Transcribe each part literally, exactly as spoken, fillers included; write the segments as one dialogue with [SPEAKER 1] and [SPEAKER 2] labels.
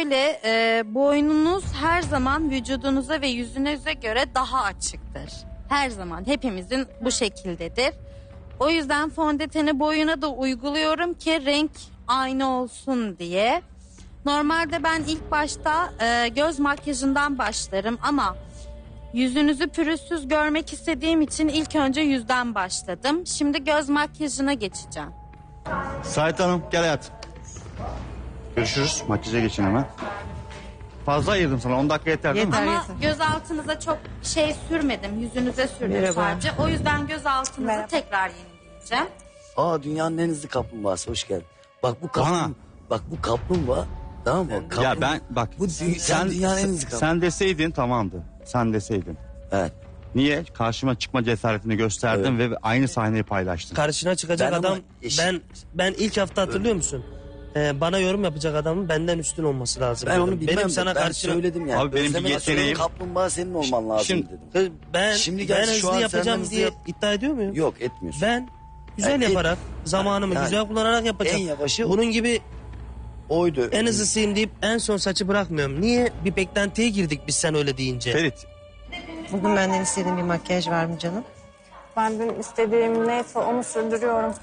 [SPEAKER 1] şöyle, e, boynunuz her zaman vücudunuza ve yüzünüze göre daha açıktır. Her zaman hepimizin bu şekildedir. O yüzden fondöteni boyuna da uyguluyorum ki renk aynı olsun diye. Normalde ben ilk başta e, göz makyajından başlarım ama yüzünüzü pürüzsüz görmek istediğim için ilk önce yüzden başladım. Şimdi göz makyajına geçeceğim.
[SPEAKER 2] Sait Hanım gel hayatım. Görüşürüz. Makyaja geçin hemen. Fazla ayırdım sana. on dakika yeter değil mi?
[SPEAKER 3] Yeter.
[SPEAKER 1] Ama göz altınıza çok şey sürmedim. Yüzünüze sürdüm
[SPEAKER 3] Merhaba.
[SPEAKER 1] sadece. O yüzden göz altınızı
[SPEAKER 4] Merhaba.
[SPEAKER 1] tekrar yenileyeceğim.
[SPEAKER 5] Aa, dünyanın en hızlı kaplumbağası, hoş geldin. Bak bu
[SPEAKER 2] Bana.
[SPEAKER 5] kaplum, bak bu kaplumbağa, tamam mı? Kaplum-
[SPEAKER 2] Ya ben bak
[SPEAKER 5] Bu dü- sen dünyanın en hızlı kaplumbağa.
[SPEAKER 2] sen deseydin tamamdı. Sen deseydin.
[SPEAKER 5] Evet.
[SPEAKER 2] Niye? Karşıma çıkma cesaretini gösterdin ve aynı sahneyi paylaştın.
[SPEAKER 6] Karşına çıkacak
[SPEAKER 5] Ben ama
[SPEAKER 6] adam
[SPEAKER 5] eş-
[SPEAKER 6] ben ben ilk hafta hatırlıyor musun? Ee, bana yorum yapacak adamın benden üstün olması lazım.
[SPEAKER 5] Ben
[SPEAKER 6] dedim.
[SPEAKER 5] onu bilmem
[SPEAKER 6] Benim
[SPEAKER 5] de
[SPEAKER 6] sana
[SPEAKER 5] ben
[SPEAKER 6] karşına
[SPEAKER 5] söyledim yani.
[SPEAKER 2] Abi benim bir
[SPEAKER 5] Özlem'e söyledim,
[SPEAKER 2] yeteneğim-
[SPEAKER 5] kaplumbağa senin olman lazım
[SPEAKER 2] Şimdi-
[SPEAKER 5] dedim.
[SPEAKER 6] Kız, ben
[SPEAKER 5] Şimdi
[SPEAKER 6] ben
[SPEAKER 5] gerçi şu
[SPEAKER 6] hızlı
[SPEAKER 5] an
[SPEAKER 6] yapacağım
[SPEAKER 5] senden hızlı
[SPEAKER 6] diye
[SPEAKER 5] yap-
[SPEAKER 6] iddia ediyor muyum?
[SPEAKER 5] Yok, etmiyorsun.
[SPEAKER 6] Ben güzel
[SPEAKER 5] Yani et-
[SPEAKER 6] yaparak zamanımı
[SPEAKER 5] Yani
[SPEAKER 6] güzel kullanarak yapacağım.
[SPEAKER 5] en yavaşı-
[SPEAKER 6] Bunun gibi
[SPEAKER 5] Oydu.
[SPEAKER 6] en hızlısıyım deyip en son saçı bırakmıyorum. Niye? Bir beklentiye girdik biz sen öyle deyince.
[SPEAKER 2] Ferit.
[SPEAKER 3] Bugün benden istediğin bir makyaj var mı canım?
[SPEAKER 4] Ben dün istediğim neyse onu sürdürüyorum.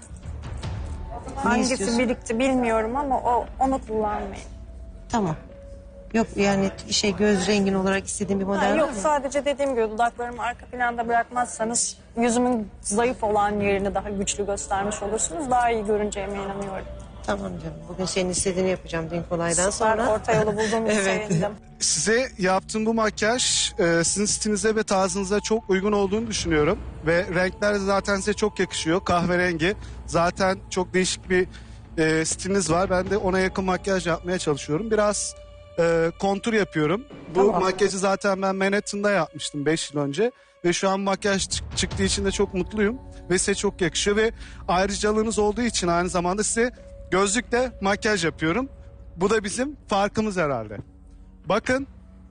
[SPEAKER 4] Hangisi
[SPEAKER 3] istiyorsun?
[SPEAKER 4] birikti bilmiyorum ama o onu kullanmayın.
[SPEAKER 3] Tamam. Yok yani şey göz rengin olarak istediğin bir
[SPEAKER 4] Ha,
[SPEAKER 3] model var
[SPEAKER 4] yok
[SPEAKER 3] mı?
[SPEAKER 4] sadece dediğim gibi dudaklarımı arka planda bırakmazsanız yüzümün zayıf olan yerini daha güçlü göstermiş olursunuz. Daha iyi görüneceğime inanıyorum.
[SPEAKER 3] Tamam canım. Bugün senin istediğini yapacağım dün kolaydan
[SPEAKER 4] Süper,
[SPEAKER 3] sonra.
[SPEAKER 4] orta yolu bulduğum için
[SPEAKER 3] Evet.
[SPEAKER 4] sevindim.
[SPEAKER 7] Size yaptığım bu makyaj e, sizin stilinize ve tarzınıza çok uygun olduğunu düşünüyorum. Ve renkler de zaten size çok yakışıyor. Kahverengi. Zaten çok değişik bir e, stiliniz var. Ben de ona yakın makyaj yapmaya çalışıyorum. Biraz e, kontur yapıyorum. Bu
[SPEAKER 3] Tamam.
[SPEAKER 7] makyajı zaten ben Manhattan'da yapmıştım beş yıl önce. Ve şu an makyaj çık- çıktığı için de çok mutluyum. Ve size çok yakışıyor. Ve ayrıcalığınız olduğu için aynı zamanda size gözlükle makyaj yapıyorum. Bu da bizim farkımız herhalde. Bakın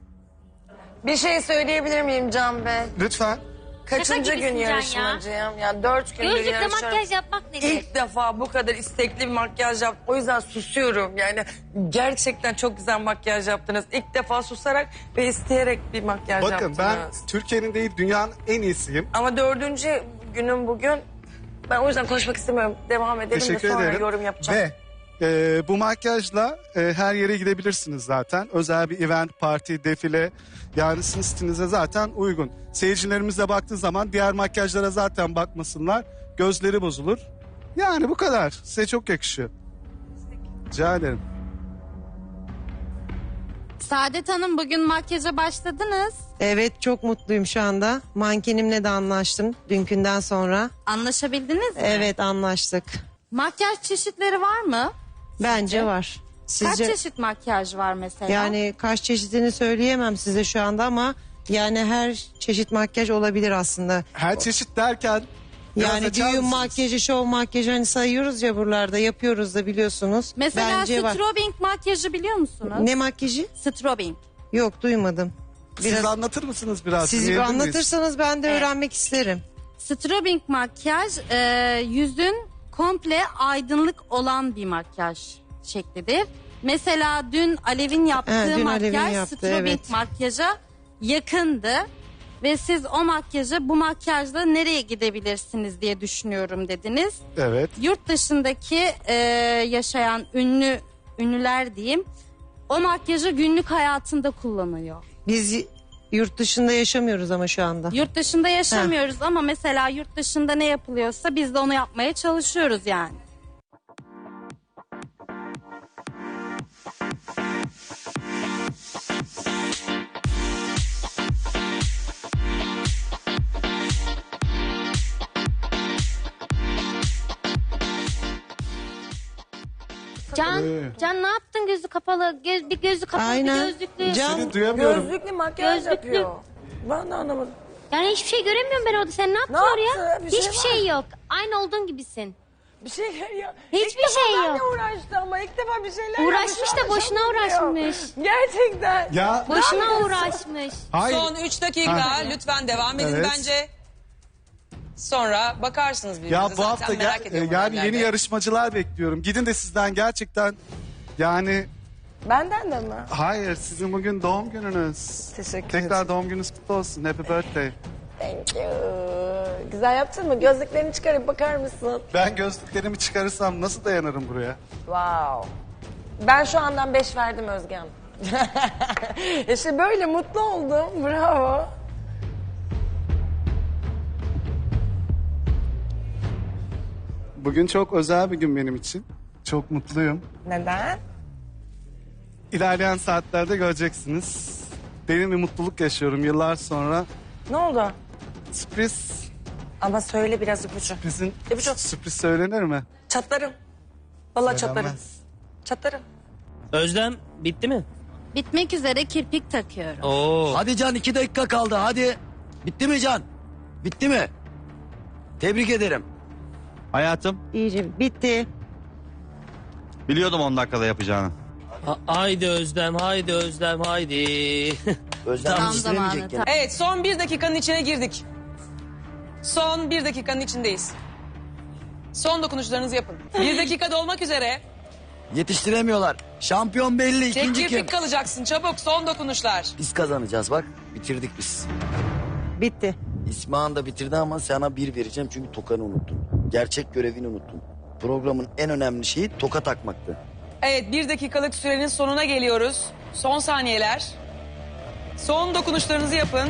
[SPEAKER 8] Bir şey söyleyebilir miyim Can Bey?
[SPEAKER 7] lütfen.
[SPEAKER 8] Kaçıncı
[SPEAKER 9] gibisin
[SPEAKER 8] gün
[SPEAKER 9] Can ya.
[SPEAKER 8] yarışmacıyım? Yani dört gündür
[SPEAKER 9] Gözlükle
[SPEAKER 8] yarışıyorum.
[SPEAKER 9] makyaj yapmak nedir?
[SPEAKER 8] İlk defa bu kadar istekli bir makyaj yaptım. O yüzden susuyorum. Yani gerçekten çok güzel makyaj yaptınız. İlk defa susarak ve isteyerek bir makyaj
[SPEAKER 7] Bakın
[SPEAKER 8] yaptınız.
[SPEAKER 7] ben Türkiye'nin değil dünyanın en iyisiyim.
[SPEAKER 8] Ama dördüncü günüm bugün. Ben o yüzden konuşmak istemiyorum. Devam edelim
[SPEAKER 7] Teşekkür
[SPEAKER 8] de sonra
[SPEAKER 7] ederim.
[SPEAKER 8] yorum yapacağım.
[SPEAKER 7] Ve e, bu makyajla e, her yere gidebilirsiniz zaten. Özel bir event, parti, defile. Yani sizin stilinize zaten uygun. Seyircilerimiz de baktığı zaman diğer makyajlara zaten bakmasınlar. Gözleri bozulur. Yani bu kadar. Size çok yakışıyor. Rica ederim.
[SPEAKER 1] Saadet Hanım bugün makyaja başladınız.
[SPEAKER 3] Evet çok mutluyum şu anda. Mankenimle de anlaştım dünkünden sonra.
[SPEAKER 1] Anlaşabildiniz mi?
[SPEAKER 3] Evet anlaştık.
[SPEAKER 1] Makyaj çeşitleri var mı?
[SPEAKER 3] Bence var. Sizce
[SPEAKER 1] Kaç çeşit makyaj var mesela?
[SPEAKER 3] yani kaç çeşidini söyleyemem size şu anda ama yani her çeşit makyaj olabilir aslında.
[SPEAKER 7] Her çeşit derken biraz
[SPEAKER 3] Yani
[SPEAKER 7] açar
[SPEAKER 3] düğün
[SPEAKER 7] mısınız?
[SPEAKER 3] makyajı, şov makyajı hani sayıyoruz ya buralarda yapıyoruz da biliyorsunuz.
[SPEAKER 1] Mesela
[SPEAKER 3] Bence var.
[SPEAKER 1] strobing makyajı biliyor musunuz?
[SPEAKER 3] Ne makyajı?
[SPEAKER 1] Strobing.
[SPEAKER 3] Yok duymadım.
[SPEAKER 7] Siz
[SPEAKER 3] Biraz
[SPEAKER 7] anlatır mısınız biraz?
[SPEAKER 3] siz
[SPEAKER 7] Dinleyebilir miyiz?
[SPEAKER 3] anlatırsanız ben de öğrenmek isterim.
[SPEAKER 1] Strobing makyaj e, yüzün komple aydınlık olan bir makyaj şeklidir. Mesela dün Alev'in yaptığı
[SPEAKER 3] He, dün
[SPEAKER 1] makyaj
[SPEAKER 3] Alev'in yaptı,
[SPEAKER 1] strobing
[SPEAKER 3] evet.
[SPEAKER 1] makyaja yakındı. Ve siz o makyajı bu makyajla nereye gidebilirsiniz diye düşünüyorum dediniz.
[SPEAKER 7] Evet.
[SPEAKER 1] Yurt dışındaki e, yaşayan ünlü ünlüler diyeyim o makyajı günlük hayatında kullanıyor.
[SPEAKER 3] Biz yurt dışında yaşamıyoruz ama şu anda.
[SPEAKER 1] Yurt dışında yaşamıyoruz ama mesela yurt dışında ne yapılıyorsa biz de onu yapmaya çalışıyoruz yani.
[SPEAKER 9] Can,
[SPEAKER 7] Ee.
[SPEAKER 9] Can ne yaptın gözü kapalı? Göz, bir gözü kapalı
[SPEAKER 3] Aynen.
[SPEAKER 9] bir gözlüklü.
[SPEAKER 3] Can-
[SPEAKER 7] Seni duyamıyorum.
[SPEAKER 8] Gözlüklü makyaj
[SPEAKER 9] Gözlüklü.
[SPEAKER 8] yapıyor. Ben de anlamadım.
[SPEAKER 9] Yani hiçbir şey göremiyorum ben orada. Sen ne yaptın
[SPEAKER 8] Ne
[SPEAKER 9] oraya?
[SPEAKER 8] yaptı? Bir şey
[SPEAKER 9] Hiçbir
[SPEAKER 8] var.
[SPEAKER 9] şey yok. Aynı olduğun gibisin.
[SPEAKER 8] Bir şey ya.
[SPEAKER 9] Hiçbir
[SPEAKER 8] İlk defa
[SPEAKER 9] şey
[SPEAKER 8] benle
[SPEAKER 9] yok.
[SPEAKER 8] uğraştı ama ilk defa bir şeyler
[SPEAKER 9] Uğraşmış
[SPEAKER 8] yapmış,
[SPEAKER 9] da boşuna
[SPEAKER 8] anlaşılmıyor.
[SPEAKER 9] uğraşmış.
[SPEAKER 8] Gerçekten.
[SPEAKER 7] Ya
[SPEAKER 9] Boşuna uğraşmış.
[SPEAKER 7] hayır.
[SPEAKER 10] Son üç dakika
[SPEAKER 7] Ha.
[SPEAKER 10] lütfen devam edin
[SPEAKER 7] Evet.
[SPEAKER 10] bence. Sonra bakarsınız birbirinize.
[SPEAKER 7] Ya bu
[SPEAKER 10] Zaten
[SPEAKER 7] hafta
[SPEAKER 10] merak
[SPEAKER 7] gel-
[SPEAKER 10] ediyorum
[SPEAKER 7] yani
[SPEAKER 10] haberlerde.
[SPEAKER 7] yeni yarışmacılar bekliyorum. Gidin de sizden gerçekten yani
[SPEAKER 8] Benden de mi?
[SPEAKER 7] Hayır, sizin bugün doğum gününüz.
[SPEAKER 8] Teşekkür
[SPEAKER 7] Tekrar
[SPEAKER 8] ederim.
[SPEAKER 7] doğum gününüz kutlu olsun. Happy birthday.
[SPEAKER 8] Thank you. Güzel yaptın mı? Gözlüklerini çıkarıp bakar mısın?
[SPEAKER 7] Ben gözlüklerimi çıkarırsam nasıl dayanırım buraya?
[SPEAKER 8] Wow. Ben şu andan beş verdim Özge Hanım. İşte böyle mutlu oldum. Bravo.
[SPEAKER 7] Bugün çok özel bir gün benim için. Çok mutluyum.
[SPEAKER 8] Neden?
[SPEAKER 7] İlerleyen saatlerde göreceksiniz. Derin bir mutluluk yaşıyorum yıllar sonra.
[SPEAKER 8] Ne oldu?
[SPEAKER 7] Sürpriz,
[SPEAKER 8] Ama söyle biraz ipucu.
[SPEAKER 7] sürprizin
[SPEAKER 8] İpucu.
[SPEAKER 7] sürpriz söylenir mi?
[SPEAKER 8] Çatlarım. Vallahi çatlarım.
[SPEAKER 7] Söylenmez.
[SPEAKER 8] Çatlarım.
[SPEAKER 6] Özlem bitti mi?
[SPEAKER 1] Bitmek üzere kirpik takıyorum.
[SPEAKER 6] Oo.
[SPEAKER 5] Hadi Can iki dakika kaldı hadi. Bitti mi Can? Bitti mi? Tebrik ederim.
[SPEAKER 2] Hayatım,
[SPEAKER 3] İyice bitti.
[SPEAKER 2] biliyordum on dakikada yapacağını.
[SPEAKER 6] Ha- haydi Özlem, haydi Özlem, haydi.
[SPEAKER 5] Özlem
[SPEAKER 1] Tam
[SPEAKER 5] yetiştiremeyecek
[SPEAKER 1] zamanı,
[SPEAKER 5] gene.
[SPEAKER 10] Evet son bir dakikanın içine girdik. Son bir dakikanın içindeyiz. Son dokunuşlarınızı yapın. Bir dakika dolmak üzere.
[SPEAKER 5] Yetiştiremiyorlar. Şampiyon belli.
[SPEAKER 10] Tek
[SPEAKER 5] İkinci kim?
[SPEAKER 10] kirpik kalacaksın çabuk son dokunuşlar.
[SPEAKER 5] Biz kazanacağız bak. Bitirdik biz.
[SPEAKER 3] Bitti.
[SPEAKER 5] İsmahan da bitirdi ama sana bir vereceğim çünkü tokanı unuttun. Gerçek görevini unuttun. Programın en önemli şeyi toka takmaktı.
[SPEAKER 10] Evet bir dakikalık sürenin sonuna geliyoruz. Son saniyeler. Son dokunuşlarınızı yapın.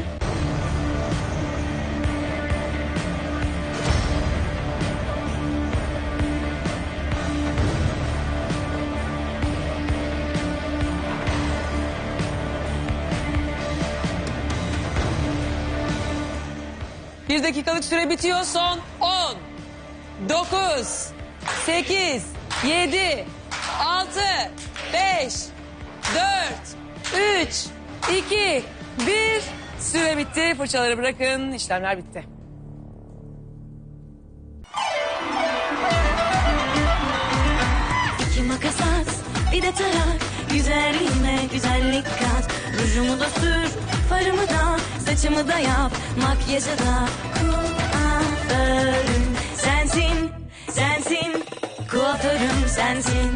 [SPEAKER 10] Bir dakikalık süre bitiyor. Son on, dokuz, sekiz, yedi, altı, beş, dört, üç, iki, bir. Süre bitti. Fırçaları bırakın. İşlemler bitti.
[SPEAKER 11] İki makas at, bir de tarak. Güzelliğime güzellik kat. Rujumu da sür, farımı da, saçımı da yap. Makyajı da kuaförüm sensin, sensin. Kuaförüm sensin.